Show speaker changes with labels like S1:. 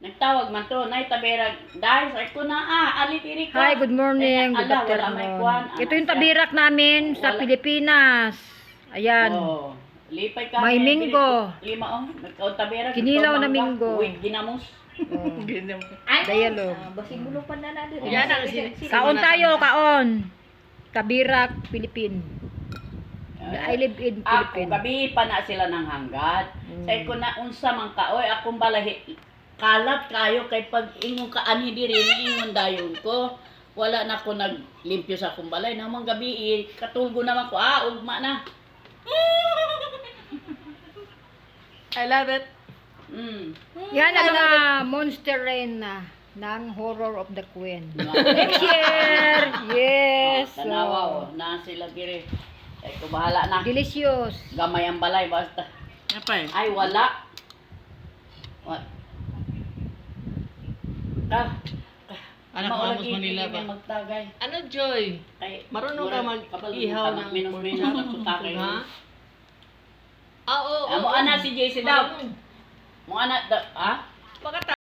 S1: Nagtawag man to, nay taberag. Dahil sa ko na alitiri ka.
S2: Hi, good morning, good
S1: Ala, wala may kuwan.
S2: afternoon. Ito yung tabirak namin sa
S1: Wala.
S2: Pilipinas. Ayan.
S1: Oh, lipay ka.
S2: May minggo.
S1: Lima taberag.
S2: Kinilaw na minggo.
S1: Uy, ginamos.
S2: Dialog.
S3: Basing bulo pa na natin.
S4: Yan ang
S2: Kaon tayo, kaon. Tabirak, Pilipin. I live in
S1: Ako,
S2: Philippines.
S1: gabi pa na sila ng hanggat. Say ko na unsa man kaoy, akong balahi. Kalat kayo kay pag ingong kaani diri ni ingon dayon ko. Wala na ko naglimpyo sa akong balay. Namang gabi, katulgo naman ko. Ugma na.
S4: I love it.
S2: Yan ang Monster Rain ng Horror of the Queen. Next year! Yes!
S1: Tanawa, na sila diri. Ay, ko bahala na.
S2: Delicious.
S1: Gamay ang balay, basta.
S4: Apa eh?
S1: Ay, wala. What?
S4: Anak ko, Amos Manila ba?
S1: Magtagay.
S4: Ano, Joy?
S1: Kay,
S4: Marunong ka mag-ihaw ng
S1: minus-minus at sutakay.
S4: Ha? Oo.
S1: Mo ana si JC daw. Mo ana, ha?
S4: Bakit